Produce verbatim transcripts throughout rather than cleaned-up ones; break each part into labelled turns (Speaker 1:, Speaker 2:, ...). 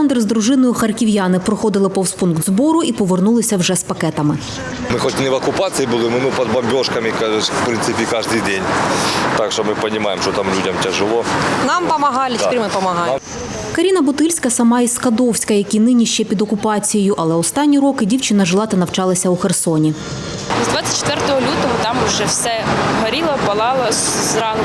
Speaker 1: Олександр з дружиною харків'яни проходили повз пункт збору і повернулися вже з пакетами.
Speaker 2: Ми хоч не в окупації були, ми ну, під бомбіжками, в принципі, кожен день. Так що ми розуміємо, що там людям тяжело.
Speaker 3: Нам допомагали, тепер ми допомагаємо.
Speaker 1: Каріна Бутильська сама із Скадовська, які нині ще під окупацією, але останні роки дівчина жила та навчалася у Херсоні.
Speaker 4: З двадцять четвертого лютого там вже все горіло, палало зранку.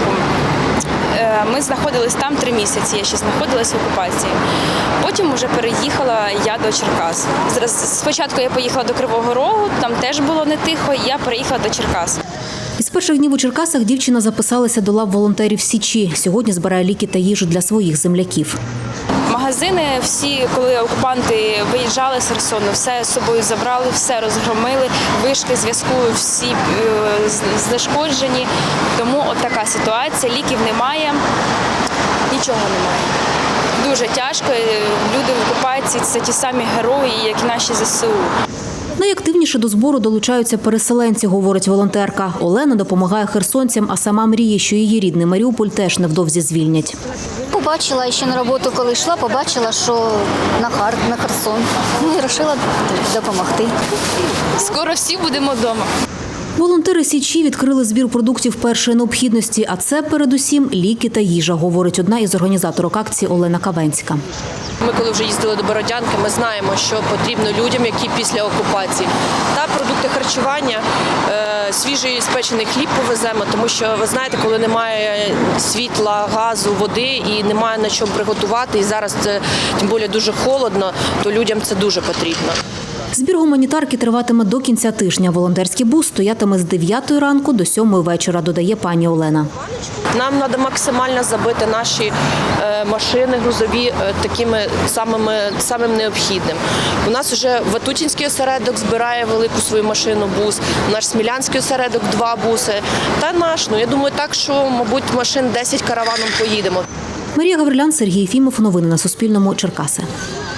Speaker 4: Ми знаходились там три місяці, я ще знаходилась в окупації. Потім вже переїхала я до Черкас. Спочатку я поїхала до Кривого Рогу, там теж було не тихо, і я переїхала до Черкас.
Speaker 1: Із перших днів у Черкасах дівчина записалася до лав волонтерів Січі. Сьогодні збирає ліки та їжу для своїх земляків.
Speaker 4: Магазини всі, коли окупанти виїжджали з Херсону, все з собою забрали, все розгромили, вишки зв'язку всі знешкоджені. Тому от така ситуація, ліків немає, нічого немає. Дуже тяжко, люди в окупації – це ті самі герої, як і наші ЗСУ.
Speaker 1: Найактивніше до збору долучаються переселенці, говорить волонтерка. Олена допомагає херсонцям, а сама мріє, що її рідний Маріуполь теж невдовзі звільнять.
Speaker 5: Побачила ще на роботу, коли йшла, побачила, що на Хар, на Херсон. Ну і вирішила допомогти.
Speaker 4: Скоро всі будемо вдома.
Speaker 1: Волонтери Січі відкрили збір продуктів першої необхідності, а це передусім ліки та їжа, говорить одна із організаторок акції Олена Кавенська.
Speaker 6: Ми, коли вже їздили до Бородянки, ми знаємо, що потрібно людям, які після окупації. Та продукти харчування, свіжий спечений хліб повеземо, тому що, ви знаєте, коли немає світла, газу, води і немає на чому приготувати, і зараз це, тим більше, дуже холодно, то людям це дуже потрібно.
Speaker 1: Збір гуманітарки триватиме до кінця тижня. Волонтерський бус стоятиме з дев'ятої ранку до сьомої вечора, додає пані Олена.
Speaker 6: Нам треба максимально забити наші машини грузові такими самими, самим необхідним. У нас вже Ватутінський осередок збирає велику свою машину бус, наш Смілянський осередок два буси та наш. Ну, я думаю, так, що, мабуть, машин десять караваном поїдемо.
Speaker 1: Марія Гаврилян, Сергій Єфімов. Новини на Суспільному. Черкаси.